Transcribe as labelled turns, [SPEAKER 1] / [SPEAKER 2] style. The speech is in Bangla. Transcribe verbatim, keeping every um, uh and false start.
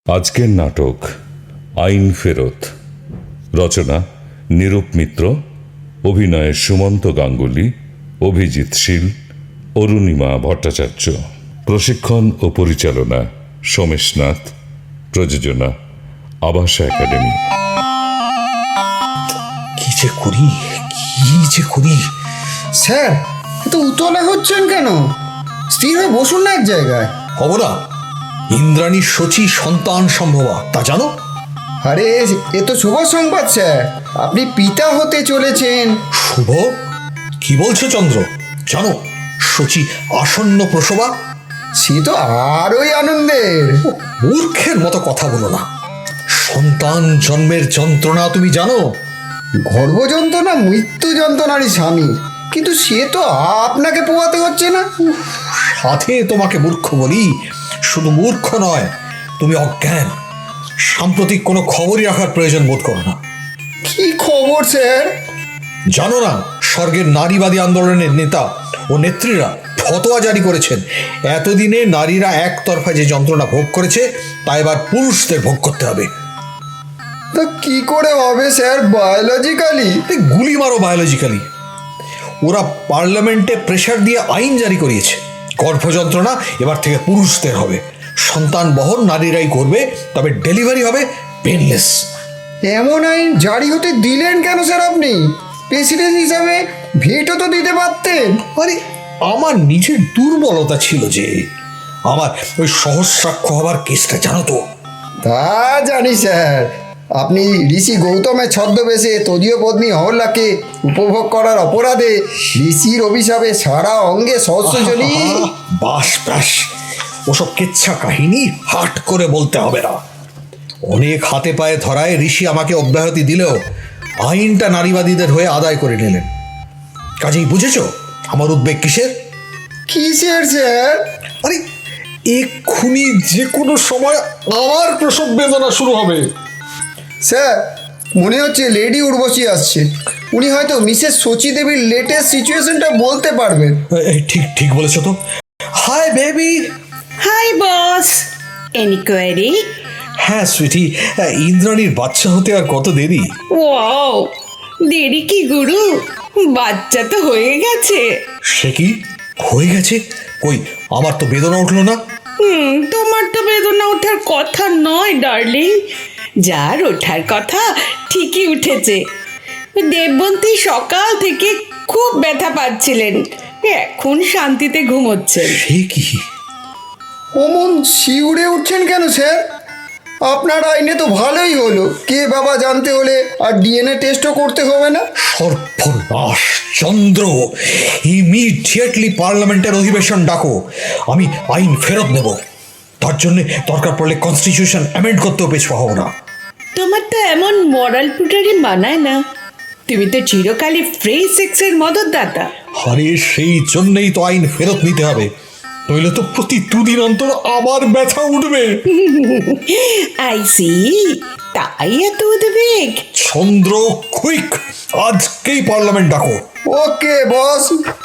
[SPEAKER 1] আজকের নাটক আইন ফেরত। রচনা নিরূপ মিত্র, অভিনয়ে সুমন্ত গাঙ্গুলি, অভিজিৎ শীল, অরুণিমা ভট্টাচার্য। প্রশিক্ষণ ও পরিচালনা সোমেশ নাথ। প্রযোজনা আবাসা একাডেমি।
[SPEAKER 2] কি যে করি কি যে করি
[SPEAKER 3] স্যার, এত উতলা হচ্ছেন কেন? স্থির হয়ে বসুন না এক জায়গায়।
[SPEAKER 2] হব না। ইন্দ্রাণীর শচী সন্তান সম্ভবা, তা জানো?
[SPEAKER 3] আরে এ তো শুভ সংবাদ স্যার, আপনি পিতা হতে চলেছেন।
[SPEAKER 2] শুভ? কি বলছো চন্দ্র? জানো শচী আসন্ন প্রসবা?
[SPEAKER 3] সে তো আরোই আনন্দের।
[SPEAKER 2] মূর্খের মতো কথা বলো না। সন্তান জন্মের যন্ত্রণা তুমি জানো?
[SPEAKER 3] গর্ভ যন্ত্রণা মৃত্যু যন্ত্রণারই স্বামী, কিন্তু সে তো আপনাকে পোয়াতে হচ্ছে না।
[SPEAKER 2] সাথে তোমাকে মূর্খ বলি? শুধু মূর্খ নয়, তুমি অজ্ঞান। সাম্প্রতিক কোনো খবরই রাখার প্রয়োজন বোধ করো না।
[SPEAKER 3] কি খবর স্যার?
[SPEAKER 2] জানো না, স্বর্গের নারীবাদী আন্দোলনের নেতা ও নেত্রীরা ফতোয়া জারি করেছেন, এতদিনে নারীরা একতরফা যে যন্ত্রণা ভোগ করেছে তা এবার পুরুষদের ভোগ করতে হবে।
[SPEAKER 3] তা কি করে হবে স্যার? বায়োলজিক্যালি?
[SPEAKER 2] গুলি মারো বায়োলজিক্যালি। ওরা পার্লামেন্টে প্রেশার দিয়ে আইন জারি করিয়েছে, গর্ভযন্ত্রণা এবার থেকে পুরুষদের হবে। সন্তান বহন নারীরাই করবে, তবে ডেলিভারি হবে পেনলেস।
[SPEAKER 3] এমন আইন জারি হতে দিলেন কেন স্যার আপনি? প্রেসিডেন্ট হিসাবে ভেটো তো দিতে পারতেন।
[SPEAKER 2] আরে আমার নিজের দুর্বলতা ছিল যে, আমার ওই সহস্রাক্ষ হবার কেসটা জানো তো?
[SPEAKER 3] তা জানি স্যার, আপনি ঋষি গৌতমের ছদ্মবেশে তদীয় পত্নী অহল্যাকে উপভোগ করার অপরাধে ঋষির অভিশাপে সারা অঙ্গে সহস্রজনী।
[SPEAKER 2] বাস ব্যাস, ওসব কেচ্ছা কাহিনী হাট করে বলতে হবে না। অনেক হাতে পায়ে ধরায় ঋষি আমাকে অব্যাহতি দিলেও আইনটা নারীবাদীদের হয়ে আদায় করে নিলেন। কাজেই বুঝেছ আমার উদ্বেগ কিসের?
[SPEAKER 3] কিসের স্যার?
[SPEAKER 2] আরে এক্ষুনি যে কোনো সময় আমার প্রসব বেদনা শুরু হবে।
[SPEAKER 3] স্যার, মনে হচ্ছে লেডি উর্বশী আসছে। উনি হয়তো মিসেস শচী দেবীর লেটেস্ট সিচুয়েশনটা বলতে পারবেন।
[SPEAKER 2] এই ঠিক ঠিক বলেছ তো। Hi baby.
[SPEAKER 4] Hi boss, any query?
[SPEAKER 2] হ্যাঁ সুইটি, ইন্দ্রাণীর বাচ্চা হতে আর কত দেরি?
[SPEAKER 4] ওয়াও, দেরি কি গুরু, বাচ্চা তো হয়ে গেছে।
[SPEAKER 2] সে কি হয়ে গেছে? কই আমার তো বেদনা উঠলো না।
[SPEAKER 4] হুম, তোমার তো বেদনা ওঠার কথা নয় ডার্লিং, যার ওঠার কথা ঠিকই উঠেছে। দেববন্তী সকাল থেকে খুব ব্যথা পাচ্ছিলেন, এখন শান্তিতে ঘুমোচ্ছেন।
[SPEAKER 2] সে কি?
[SPEAKER 3] অমন শিউরে উঠছেন কেন স্যার? আপনার আইনে তো ভালোই হলো, কে বাবা জানতে হলে আর ডিএনএ টেস্টও করতে হবে না।
[SPEAKER 2] সর্বনাশ চন্দ্র, ইমিডিয়েটলি পার্লামেন্টের অধিবেশন ডাকো। আমি আইন ফেরত নেব। তার জন্য দরকার পড়লে কনস্টিটিউশন অ্যামেন্ড করতেও পেছপা হব না।
[SPEAKER 4] তোমার তো এমন মরাল পুটারি মানায় না, তুমি তো চিরকালই ফ্রি সেক্সের মদতদাতা।
[SPEAKER 2] আরে সেই জন্যই তো আইন ফেরত নিতে হবে, নইলে তো প্রতি দুদিন অন্তর আবার ব্যথা উঠবে।
[SPEAKER 4] আই সি, তাই এত উদ্বেগ।
[SPEAKER 2] চন্দ্র কুইক, আজকেই পার্লামেন্ট ডাকো।
[SPEAKER 3] ওকে বস।